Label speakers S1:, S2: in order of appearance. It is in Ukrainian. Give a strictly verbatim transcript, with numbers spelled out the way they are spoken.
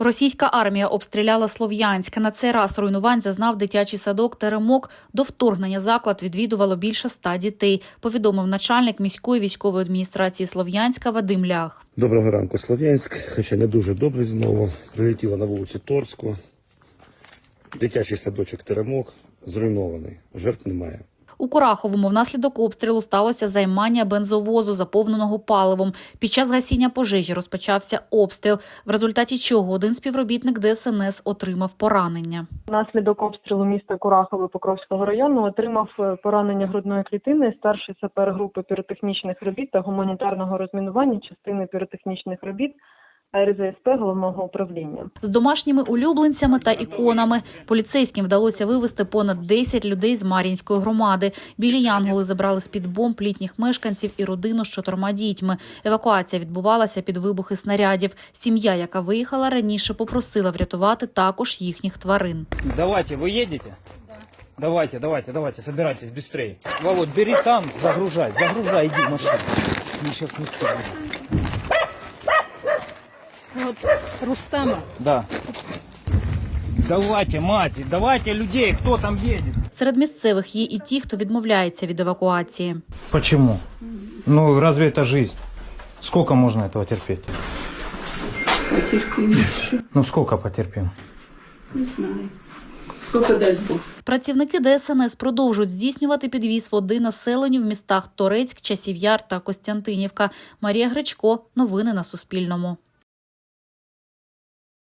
S1: Російська армія обстріляла Слов'янськ. На цей раз руйнувань зазнав дитячий садок «Теремок». До вторгнення заклад відвідувало більше ста дітей, повідомив начальник міської військової адміністрації Слов'янська Вадим Лях.
S2: Доброго ранку, Слов'янськ. Хоча не дуже добре знову. Прилетіло на вулиці Торську. Дитячий садочок «Теремок» зруйнований. Жертв немає.
S1: У Кураховому внаслідок обстрілу сталося займання бензовозу, заповненого паливом. Під час гасіння пожежі розпочався обстріл, в результаті чого один співробітник Де Ес Ен Ес отримав поранення.
S3: Внаслідок обстрілу міста Курахове Покровського району отримав поранення грудної клітини старший сапер групи піротехнічних робіт та гуманітарного розмінування частини піротехнічних робіт А Ер Зе Ес Пе головного управління.
S1: З домашніми улюбленцями та іконами поліцейським вдалося вивезти понад десять людей з Мар'їнської громади. Білі янголи забрали з-під бомб літніх мешканців і родину з чотирма дітьми. Евакуація відбувалася під вибухи снарядів. Сім'я, яка виїхала раніше, попросила врятувати також їхніх тварин.
S4: Давайте, ви їдете? Да. Давайте, давайте, давайте, собирайтесь быстрее. Володь, бери там, загружай, загружай, иди в машину. Мы сейчас не стягнем.
S5: Вот Рустама.
S4: Да. Давайте, мать, давайте людей, кто там едет.
S1: Серед місцевих є і ті, хто відмовляється від евакуації.
S4: Почему? Ну, разве это жизнь? Сколько можно этого терпеть?
S5: Потерпим еще.
S4: Ну, сколько потерпим?
S5: Не знаю. Сколько даст Бог.
S1: Працівники Де Ес Ен Ес продовжують здійснювати підвіз води населенню в містах Торецьк, Часів Яр та Костянтинівка. Марія Гречко. Новини на Суспільному.